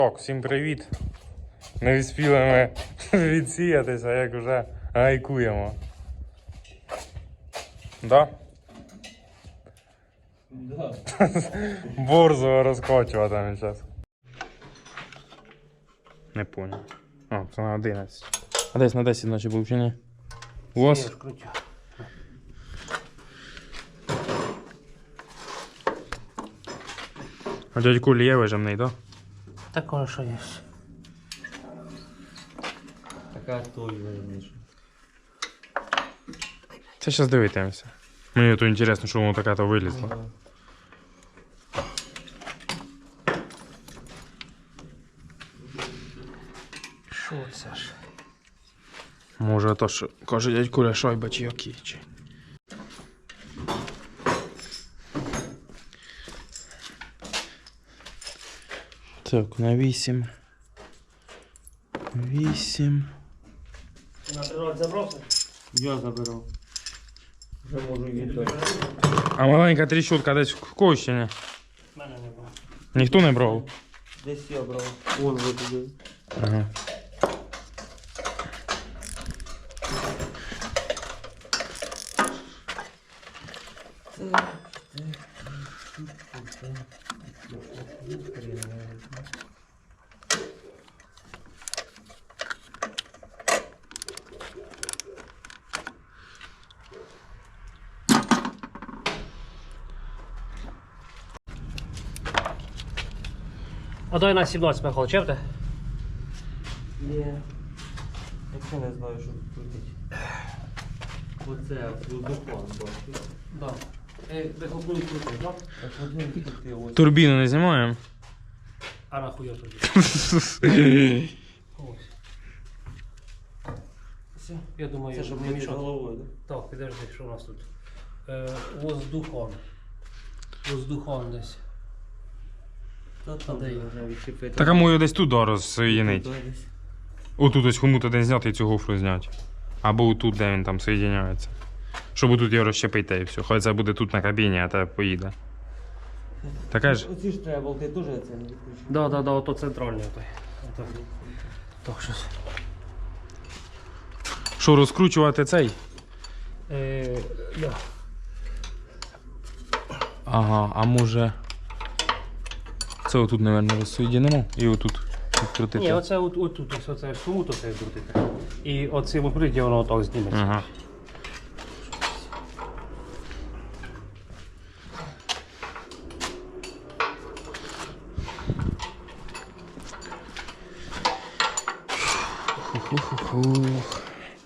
Так, всім привіт. Не встигли ми відсіятися, як вже гайкуємо. Да? Да. Борзого розкочуватиме зараз. Не понял. А, це на 11. А десь на 10 ночі був чи ні? У вас? А дядь Кулі є вижимний, так? Такое, що є. Така той вижимніша. Це зараз дивитимося. Мені то інтересно, що воно таке то вилізло. Що це ж? Може то, що каже дядь Куля шайба чи які чи. Так, на 8. 8. На природі забрався? Я заберу. Вже можу віддати. А маленька тріщотка десь в Кощині. Мене не було. Ніхто не брав? Десь я брав. Вон ви туди. Ага. А дай на 17 Михайло, чепте? Ні. Якщо не знаю, що тут крутить. Оце воздухом бачиш. Да. Михайло буде крутий, так? Так от він крутий ось. Турбіну не знімаємо? А нахуя тоді? Ось. Все. Я думаю, Це щоб не не під мішати. головою, так? Так, підожди, що у нас тут? Воздухон. Воздухон десь. Та там Де його? можна відчепити. Так а мою десь тут розсоєдинить. Туди десь. Отут ось хомут один зняти і цю гофру зняти. Або отут, де він там соєдиняється. Щоб тут його розщепити і все. Хай це буде тут на кабіні, а те поїде. Таке ж? Оці ж треба болти теж це не відключити. Да, ото центральний той. Так, щось. Що, розкручувати цей? Да. Ага, а може... Це отут, мабуть, розсоєдинимо і отут відкрутити. Ні, оце отут, ось оце суму то це крутити. І оцим укриття воно так зніметься. Ага. Фух.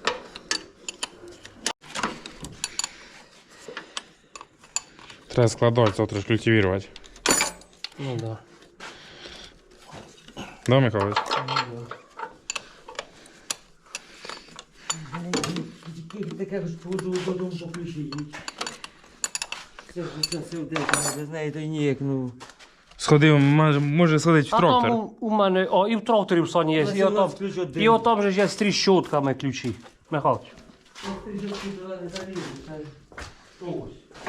Треба складати, завтра ж культивувати. Ну да. Да, Михайлович? Таке ж додому по ключі йдуть. Це ж це все вдихає, без неї то й ніяк, ну. Сходив, може сходити в А трактор. там у мене, і в тракторі в сані є, У нас і отам, ключ один. і отам же ж є з тріщотками ключі. Михайлович. Ось.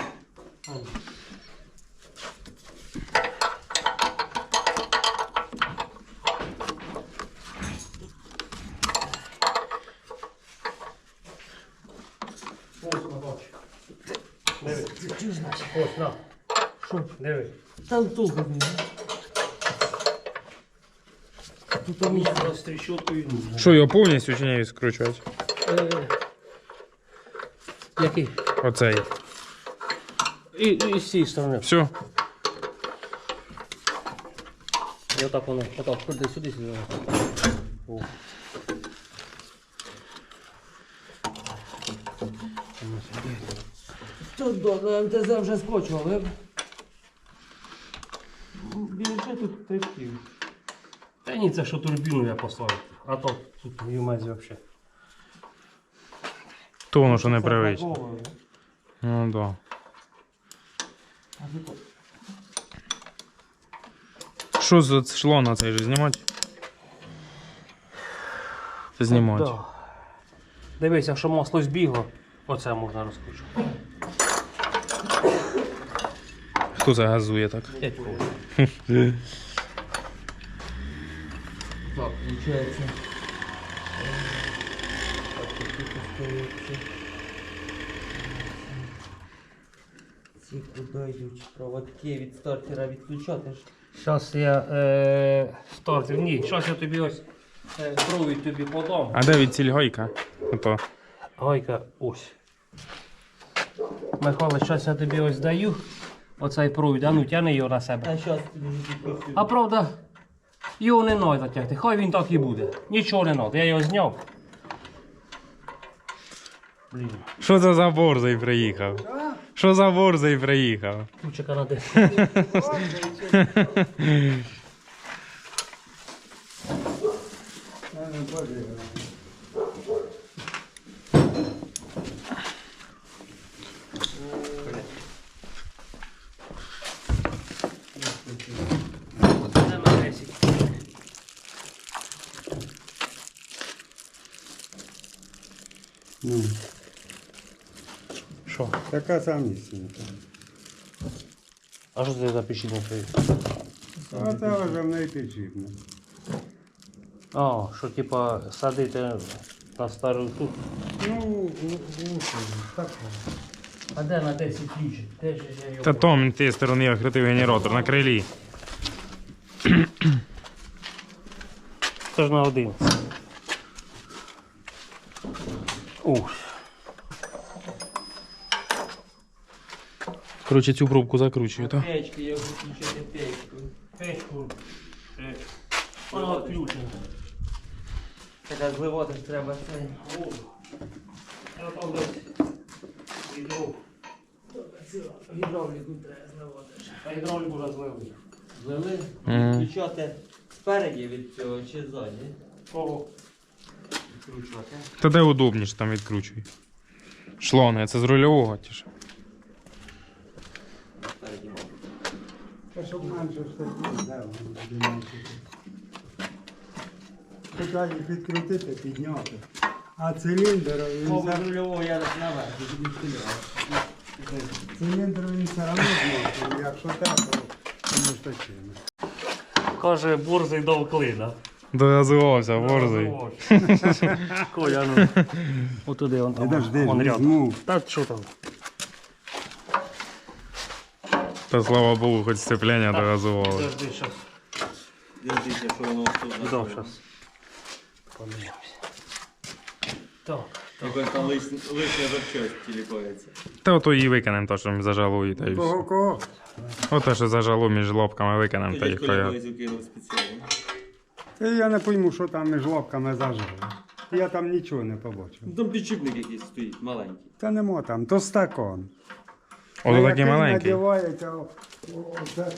Диви. Ось, на. Що? Диви. Там толку не. Тут місце з тріщоткою. Що, його повністю чи не скручувати? Який? Оцей. І з цієї сторони. Все. І отак воно, отак, сюди. О. Тут до МТЗ вже скочували. Більше тут трішків. Та ні, це що турбіну я поставив. А то тут в юмезі взагалі. То воно що непривично. Ну да. Що за шлона цей же знімати? Це знімати. Да. Дивись, якщо масло збігло, оце можна розкручувати. Хто це газує так? Дядько. Так, получается. Так, тут остається. Ці куди йдуть проводки від стартера відключати ж. Зараз я стартер. Ні, зараз я тобі ось провід тобі подам. А де від ціль гайка? Ото. Гайка ось. Михайло, зараз я тобі ось даю. Оцей провід, а ну тяни його на себе. А зараз тобі відключу. А правда, його не треба затягти, хай він так і буде. Нічого не треба, я його зняв. Блін, Що це за борзий приїхав? Що за борзий приїхав? ключика на де. Це на 10. Ну, Що? така самісінька. А що це за печіння? А це вже в неї підживно. А, що типа садити на стару тут. Ну, так. А де на 10 ключик? Де ж я його? Та Том, ти сторони відкритий генератор на крилі. Це ж на 11. Ух. Коротше, цю пробку закручую, так? Печки, я буду включати печку. Печку. Вона відключена. Така зливати ж треба це. Я там десь відро. Гідравліку треба зливати. А гідравлік уже злили. Злили? Мгм. Відключати спереді від цього чи ззаді? Кого? Відкручувати. Та де удобніше там відкручуй. Шлони, це з рульового ті ж. Спереді, мабуть. Та щоб менше штатів, де воно буде менше. Хоча їх відкрутити, підняти. А циліндр, він Мабуть, все, рульового я так наверх, і тобі стріляв. циліндр він все одно зносить. Якщо так, то не штативно. Каже, борзий дав клина. Догазувався, борзий. Коля, ну. Отуди, он там. Підожди, Вон рядом. візьму. Та що там? Та слава Богу, хоч сцеплення догазувало. Подожди, щас. Дивіться, що воно тут. Віддав щас. Подивимось. Так. Якось там лишня запчасть тіліпається. Та ото її викинемо, то що ми зажалує, та й все. Кого? Ото що зажало між лобками викинемо, та й Тоді хай. колесів кинув спеціально. Та я не пойму, що там між лобками зажило. Я там нічого не побачив. Ну, там підшипник якийсь стоїть, маленький. Та нема там, то стакон. Ото А такий який маленький. надівається, оце.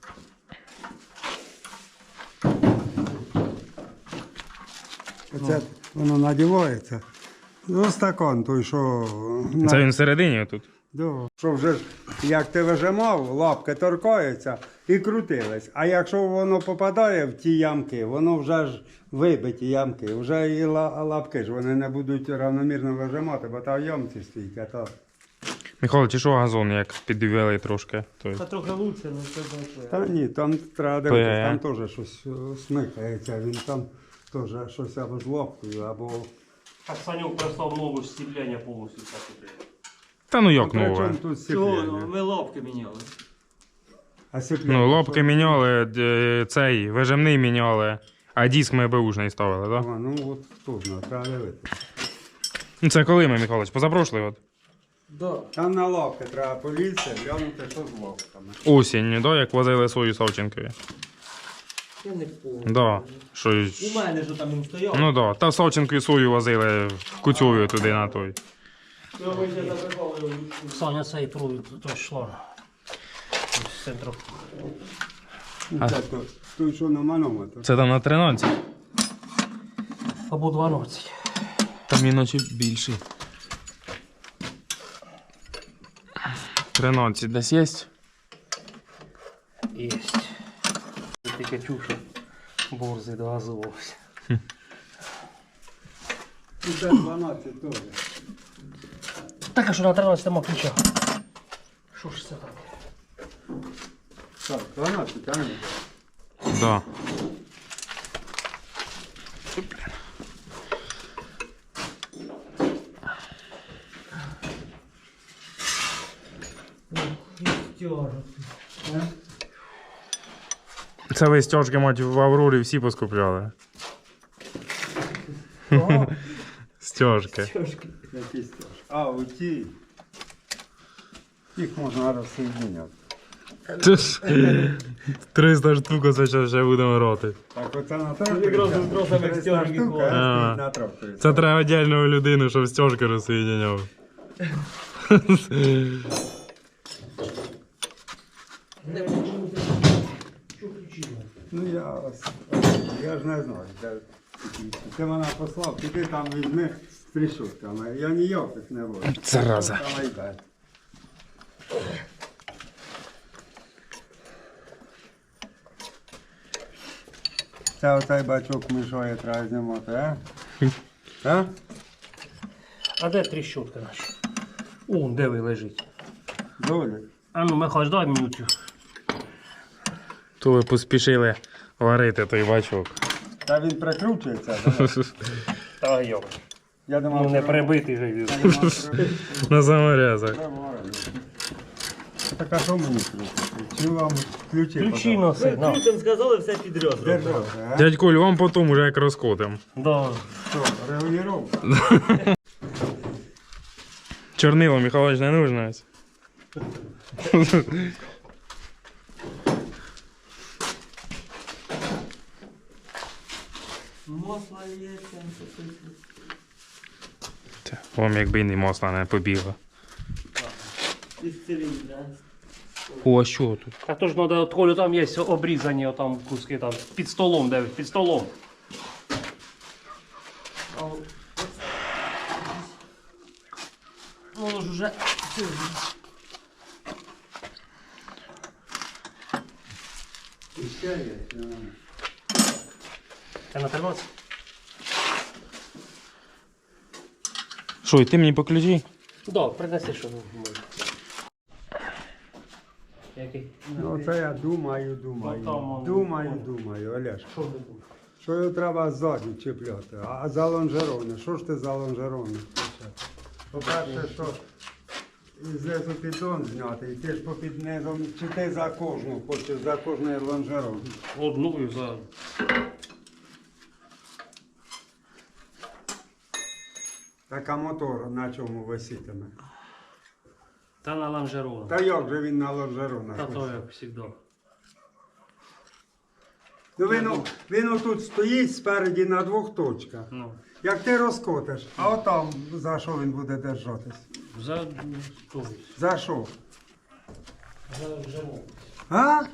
Оце воно надівається. Ну, стакон той, що... Це він всередині тут. Да. Що вже ж, як ти вижимав, лапки торкаються і крутились. А якщо воно попадає в ті ямки, воно вже ж вибиті ямки. Вже і лапки ж вони не будуть равномірно вижимати, бо та в ямці стоїть, а то... Михайло, чи що газон, як підвели трошки? Той. Та трохи лучше, ну це не Та ні, там треба То дивитися, є. там теж щось смикається, він там теж щось або з лапкою, або... Так Санюк прислав нове стіплення повністю так іде. Та ну як Причому нове? тут Чого? сцеплення? Ми лобки міняли. А сцеплення, Ну, лобки що? міняли, цей, вижимний міняли, а диск ми беушний ставили, так? А, ну от тут, треба дивитися. Ну це коли ми, Михайлович, позапрошлий от? Да. Там на лапки треба полізти, глянути, що з лапками. Осінню, да, як возили свою Савченкові. Я не помню. Да. Що... У мене ж там він стояв. Ну да, та Савченкові свою возили в Куцьові туди на той. Ми ще запихали його. Саня цей провід, то йшло. З центру. Це той, що на манометр. Це там на 13? Або 12. Там іначе більший. 13 десь є? Єсть. Тільки чув, що борзий догазувався. І це 12 теж. Так, а що на 13 нема ключа? Що ж це таке? Так, 12, а не? Да. Це ви стяжки, мать, в Аврорі всі поскупляли. Кого? Стяжки. Які стяжки? А, оті. Їх можна розсоєдиняти. Це ж 300 штук, це ще будемо роти. Так оце на тракторі. Якраз з тросами 300 стяжки штук, ходять. а А. стоїть на тракторі. Це треба віддільну людину, щоб стяжки розсоєдиняв. Ну я ж не знаю, де такі. Ти мене послав, піди там візьми з тріщотками. Я ніяких не вожу. Зараза. Давай дай. Це оцей бачок мішає, треба знімати, а? А? А де тріщотка наша? О, де ви лежить? Долі. А ну, Михайло, дай мені цю. То ви поспішили варити той бачок. Та він прикручується, давай. Та йо. Я думав, Ну не що- прибитий же він. Я думав, що- На саморезах. Так а що мені крутити? Чи вам ключі Ключі носи, на. Ключом сказали, все підряд. Держав, а? Дядь Коль, вам потім уже як розкотим. Да. Що, регулювання? Чорнило, Михайлович, не нужно. ось. Масло є, там все. Та, Вам якби і масла не побігло. Із циліндра. О, а що тут? А то ж треба, от Колю, там є обрізані отам куски там. Під столом, де ви? Під столом. А от- Ну, воно ж уже... І ще є. Це на 13? Що, і ти мені по ключі? Да, принеси, що може. Який? Ну це я думаю. Отам, Думаю, Олеж. Що не буде? Що його треба ззаді чіпляти? А за лонжерони? Що ж ти за лонжерони? По-перше, що знизу піддон зняти, і ти ж попід низом, чи ти за кожну хочеш, за кожний лонжерон? Одну і за... Так а мотор на чому висітиме? Та на лонжерону. Та як же він на лонжеронах? Та то висить? як завжди. Ну він отут стоїть спереді на двох точках. Ну, Як ти розкотиш, а отам за що він буде держатись? за... той, За що? за жему. А?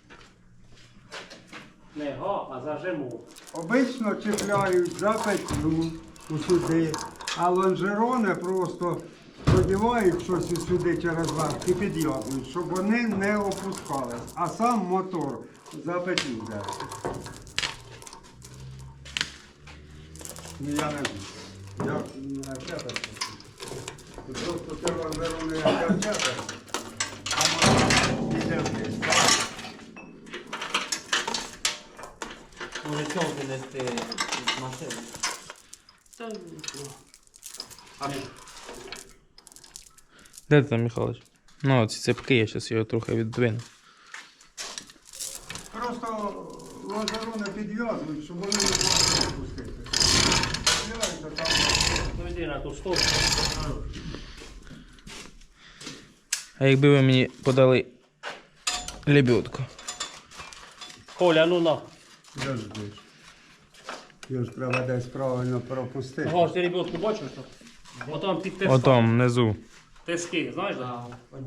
Не га, а за жему. Обично чіпляють за петлю сюди, а лонжерони просто продівають щось сюди через верх і під'єднують, щоб вони не опускались, а сам мотор за петлю держить. Ну я не знаю. Я не вчата. Просто ти лонжерони як вчата, а мотор іде вниз. Може чого винести з машини? Та... Де ти там, Михайлович? Ну, ці цепки, я зараз його трохи віддвину. Просто лонжерони підв'язують, щоб вони не могли опустити. Підв'язують, а там Ну йди на ту сторону. А якби ви мені подали лебедку? Коля, ну на. завжди. Його ж треба десь правильно пропустити. Ага, ти ребятку бачиш? Що? Отам під тиском. Отам, внизу. Тиски, знаєш? Да?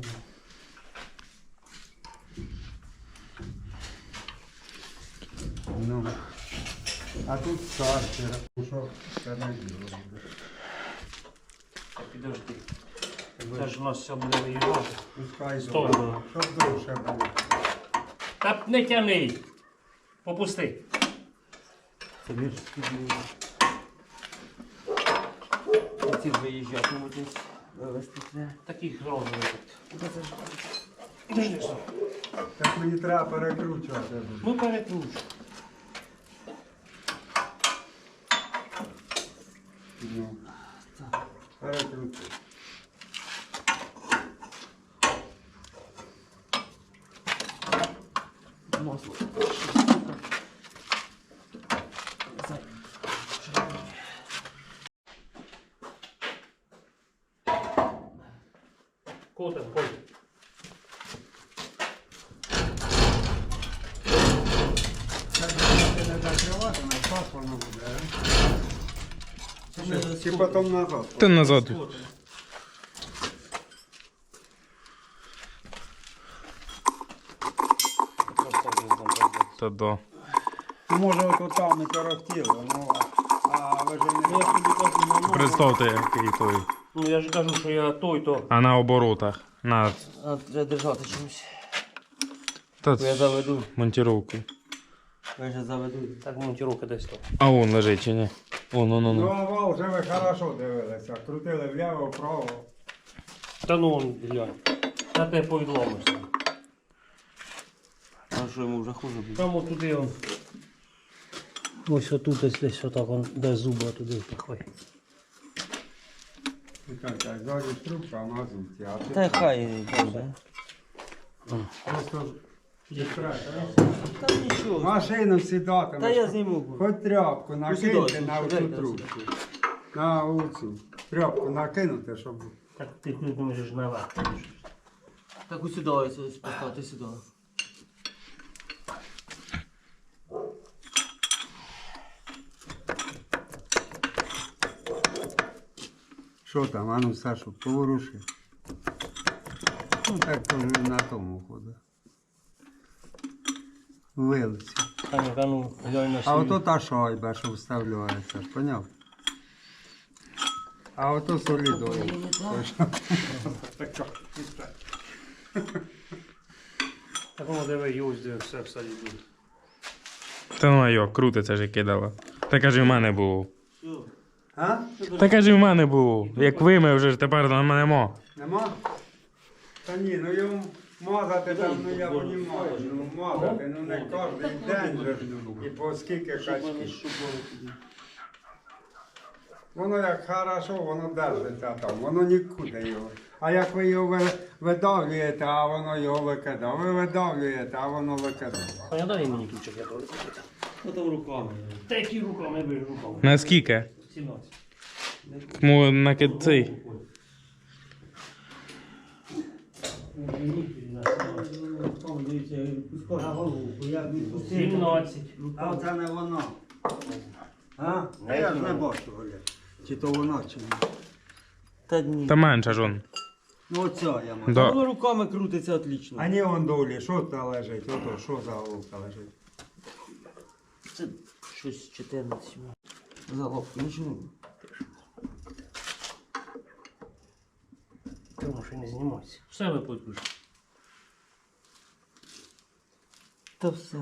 Ну. А тут стартер. Ну що, це не діло. Так, підожди. Це ж у нас все буде виїжджати. Пускай Стой. довше. Щоб довше було. Та не тяни. Попусти. Тобі ж ці виїжджатимуть десь вивезти це. Таких розових. Підожди. Що? Так мені треба перекручувати. Ну перекручу. Ну. Перекрути. Масло. Котом, ходь. Не закривати, на спас воно буде, а? Чи потім назад? Та назад. Та да. Ну, може, от там не торохтіло, ну, а ви ж Ну, я не... ж тобі кажу, ну, ну, Представте, який той. ну я ж кажу, що я той, то. А на оборотах. На. А, треба держати чимось. Та Бо я заведу. монтировку. Я вже заведу. Так монтировка десь то. А вон лежить чи ні? Вон, Ну, а вал вже ви хорошо дивилися. Крутили вліво, вправо. Та ну он, глянь. Та те повідломився. А що йому вже хуже буде? Там отуди он. Ось отут десь отак, он, де зуба туди пихай. І так, ззаді трубка, а мазуті. А ти Та хай буде. просто відкрай. Та нічого. Машину сідати. Та я зніму. Хоч тряпку накиньте Усідайся, на оцю сідайте, трубку. сідайте. На оцю. Тряпку накинути, щоб... Так ти не можеш наверх. Так усідайся, поставте сюди. Що там, а ну, Сашу, поворуши. Ну, так то вже на тому ходу. Вилиці. Саня, ну, глянь на А свій. ото та шайба, що вставляється, поняв? А ото солідою. Так воно диви, юзди, все в салі буде. Та ну а йо, крутиться ж кидала. Та каже, в мене було. А? Та каже, в мене було. Як вимив вже ж тепер на мене мо. Нема? Та ні, ну його мазати там, ну я розумію, ну мазати, ну не кожен день же ж, і по скільки качків. Воно як хорошо, воно держиться там, воно нікуди його. А як ви його видавлюєте, а воно його викидає. Ви видавлюєте, а воно викидає. Саня, дай мені ключик, я то. Потім руками. Та які руками, я бежу руками. Наскільки? 17. Мо накид цей. А оце не воно. А? Та я ж не бачу, Оля. Чи то воно, чи ні. Та ні. Та менше ж он. Ну оця я маю. Да. Воно руками крутиться отлично. А ні, вон долі, що там лежить? Ото, що за головка лежить? Це щось 14. Залобку, нічого. Тому що не знімайся. Все випадку. Та все.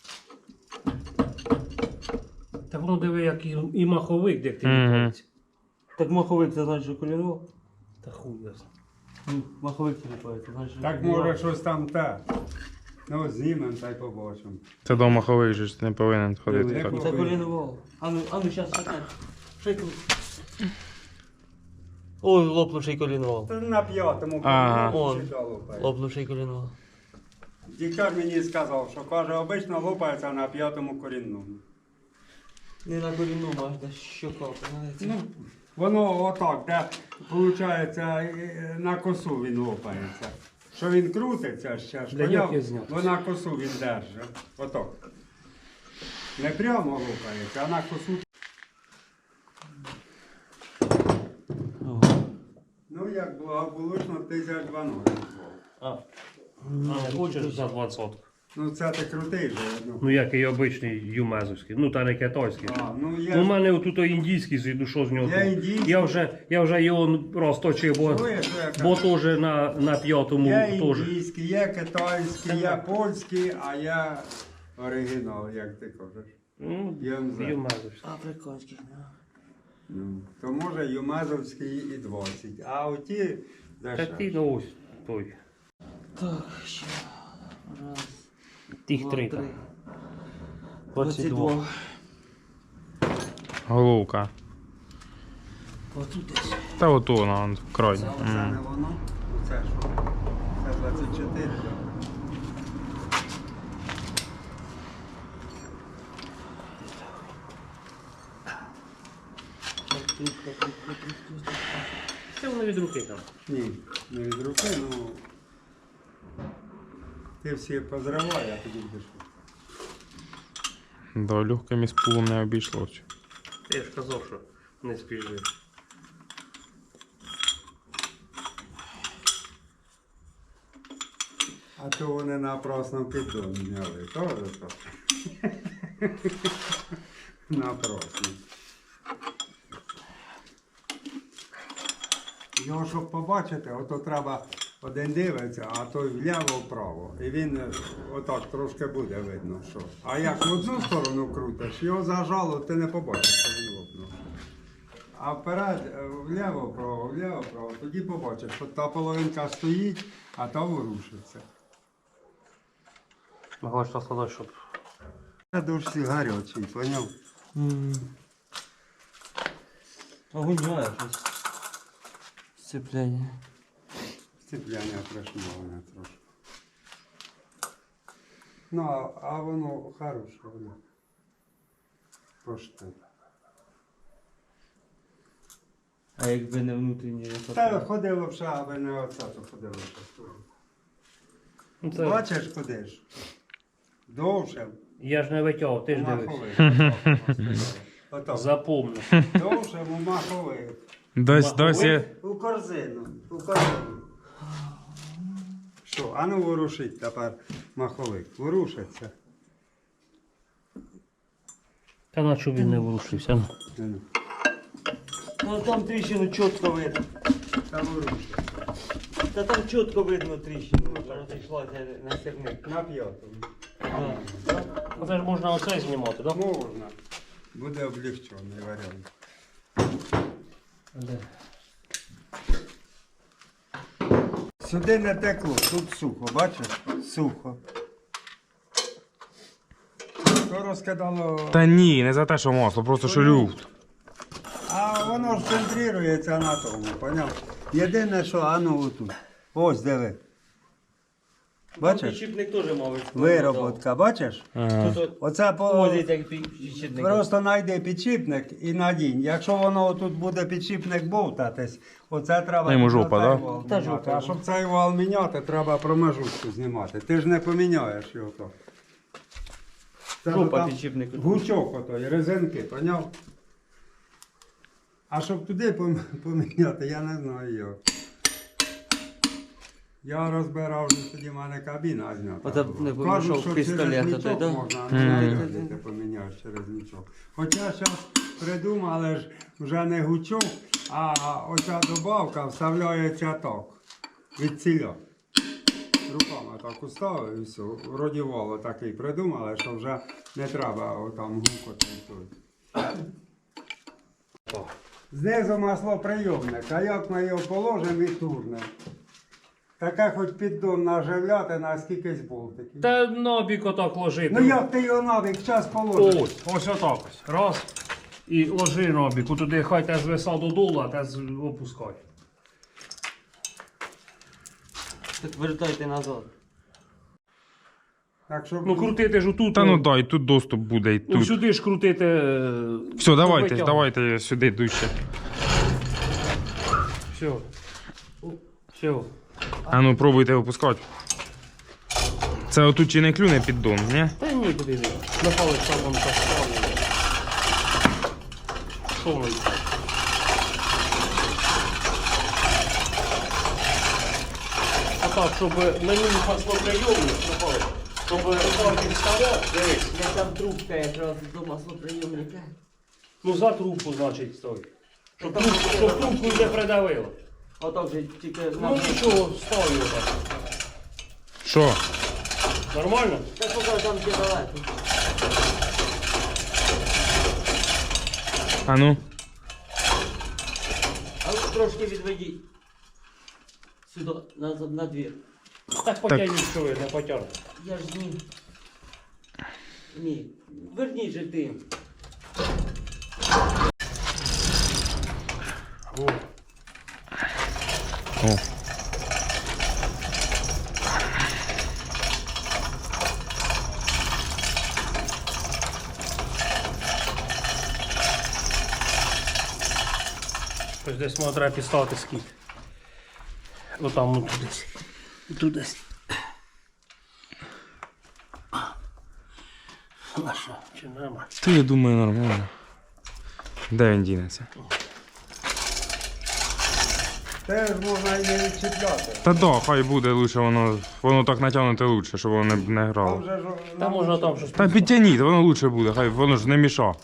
Так воно диви, як і маховик, як ти Мгм. відправиться. Так маховик, це значить, що колінував? Та хуй ясно. Ну, маховик це ліпається, значить. Так може щось там те. Ну, знімемо та й побачимо. Та до махових же ж не повинен ходити Диви, так. як Це колінував. Ану, щас, чекай. Шейку. Ой, лопнувший колінував. Та на п'ятому Ага. коліні Он. сюди лопає. Лопнувший колінував. Діктор мені сказав, що каже, обично лопається на п'ятому корінному. Не на коліну, аж де щока, знаєте. Ну, воно отак, де, виходить, на косу він лопається. Що він крутиться ще ж, Для поняв? як я зняв? Бо на косу він держить. Отак. Не прямо лопається, а на косу. Ну, як благополучно 1012. А не хочеш за 20? Ну, це ти крутий же. Ну, Ну як і обичний юмезовський, ну та не китайський. а, ну У є. мене отут індійський, ну що з нього? Я індійський. Я вже його розточив, бо, Чуєш, що я кажу? бо теж на п'ятому Є теж. індійський, є китайський, є польський, а є оригінал, як ти кажеш. Ну, ЮМЗ. юмезовський. Африканських нема. Ну, то може Юмезовський і 20, а оті Та дешевші. ти ну ось той. Так, ще. Раз, Тих два, три. три. там. 22. Головка. Отут десь. Та ото воно, крайне. Це не воно? Це що? Це 24, так? Це воно від руки там. Ні, не від руки, ну. Ти всі позривай, а тоді будеш. Да, легким із пулом не обійшлося. Я ж казав, що не спіжи. А то вони на просному піддоні зняли. Тоже то. На просному. Його, щоб побачити, ото треба один дивиться, а той вліво-вправо. І він отак трошки буде видно, що. А як в одну сторону крутиш, його зажало, ти не побачиш, що він лопнув. А вперед, вліво-вправо, тоді побачиш, що та половинка стоїть, а та ворушиться. Могла що сказати, щоб... Це дуже гарячий, поняв? Огонь щось. Сцепляння. Сцепляння пришмоване трошки. Ну, а воно хороше, воно. Пошти. А якби не внутрішній Та ходило б ще, аби не оце, то ходило б ще. Ну, це... Бачиш, ходиш? Довше. Я ж не витягав, ти ж дивись. Маховик. Отак. Запомни. Довше маховик. Досі. У корзину. У корзину. Що? А ну ворушить тепер маховик. Ворушиться. Та на що він не ворушився? Ну, Ну там тріщину чітко видно. Та ворушиться. Та там чітко видно тріщину. Розійшлася на сірник. На п'ятому. Це ж можна оце знімати, так? Можна. Буде облегчений варіант. Да? Сюди не текло, тут сухо, бачиш? Сухо. То розкидало. Та ні, не за те, що масло, просто що люфт. А воно ж центрується на тому, поняв? Єдине, що, а ну отут. Ось диви. Бачиш? Підшипник теж мав. Вироботка, бачиш? Ага. Тут Оце поводить як підшипник. просто знайди підшипник і надінь. Якщо воно тут буде підшипник бовтатись, оце треба. Йому жопа, цей да? вал Та міняти. жопа. А щоб цей вал міняти, треба промежутку знімати. Ти ж не поміняєш його то. Це Жопа там підшипника. Гучок отой, резинки, поняв? А щоб туди поміняти, я не знаю як. Я розбирав вже тоді в мене кабіна знята. Оце була. не Кажуть, помішав що пістолет через отой, нічок да? можна, а не знаю, як ти поміняєш через нічок. Хоча зараз придумали ж вже не гучок, а оця добавка вставляється так, від ціля. Руками так уставив і все. Вроді вало такий придумали, що вже не треба отам гукати і той. Знизу маслоприйомник, а як ми його положимо і турнемо. Таке хоч піддон наживляти на скількись болтиків. Та нобік отак ложи. Ну як ти його навік час положиш? Ось отак ось. Раз. І ложи нобіку туди, хай те звиса додолу, а те опускай. Так вертайте назад. Так, щоб... Ну крутити ж отут. Та ну дай, тут доступ буде і Ну тут. сюди ж крутити. Все, давайте, витягуй. давайте сюди дужче. Все. Все. А ну пробуйте випускати. Це отут чи не клюне піддон, ні? Та ні, куди не. На палець там вон поставлю. Що воно? А так, щоб мені маслоприйомник, щоб палки вставляв, дивись. Я там трубка якраз до маслоприйомника. Ну за трубку, значить, стой. Щоб трубку не придавило. Отак же тільки Ну нічого, став його так. Що? Нормально? Так поки там ще далеко. А ну. А ви трошки відведіть. Сюди, на двір. Так потягніть, що ви, не потягну. Я ж ні. Ні. Верніть же ти. О. Ось десь може треба підставити скіт. Отам, ну тут десь. Тут десь. А що, чи нема? Та я думаю, нормально. Де він дінеться? Теж можна і не відчіпляти. Та да, хай буде лучше, воно так натягнути лучше, щоб воно не Там грало. вже ж Та можна там щось. Та підтягніть, воно лучше буде, хай воно ж не міша.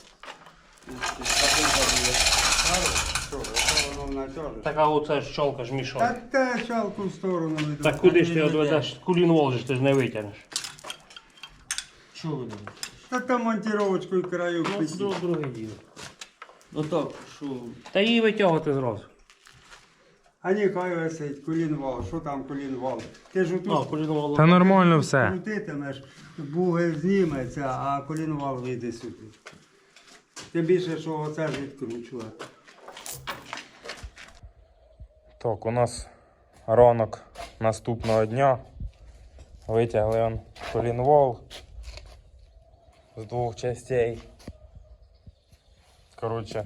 Що, якщо воно натяжеш. Така оце ж чолка ж Та мішає. те чалку в сторону веду. Так куди ж ти одведеш? Кулін волжиш, ти ж не витягнеш. Що ви думаєте? Та там монтировочкою краю Ну, писі. друге діло. Ну так, що? Та її витягувати зразу. А ні, хай висить, колінвал. Що там колінвал? Ти ж А, отут кулін волжиш. Та нормально все. крутитимеш, буги зніметься, а колінвал вийде сюди. Тим більше, що оце ж відкручувати. Так, у нас ранок наступного дня. Витягли он колінвол з двох частей. Коротше.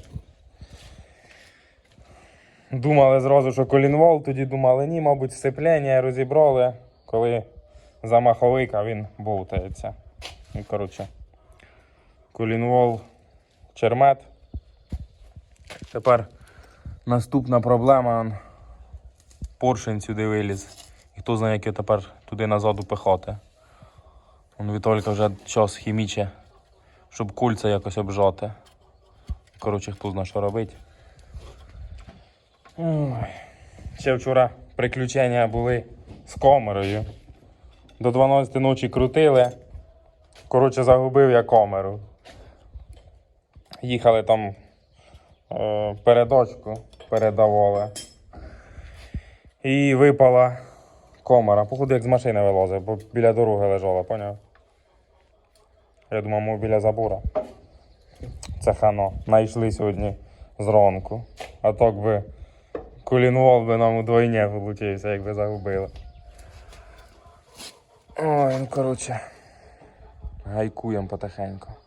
Думали зразу, що колінвол, тоді думали, ні, мабуть, сцеплення розібрали, коли за маховика він болтається. І, коротше, колінвол чермет. Тепер наступна проблема, он, поршень сюди виліз. І хто знає, як його тепер туди назад упихати. Он Вітолька вже час хіміче, щоб кульця якось обжати. Коротше, хто знає, що робить. Ой. Ще вчора приключення були з камерою. До 12 ночі крутили. Коротше, загубив я камеру. Їхали там передочку, передавали. І випала камера. Походу, як з машини вилазив, бо біля дороги лежала, поняв? Я думав, ми біля забора. Це хано. Найшли сьогодні зранку. А так би колінвол би нам удвойне вилучився, якби загубили. Ой, ну коротше. Гайкуємо потихеньку.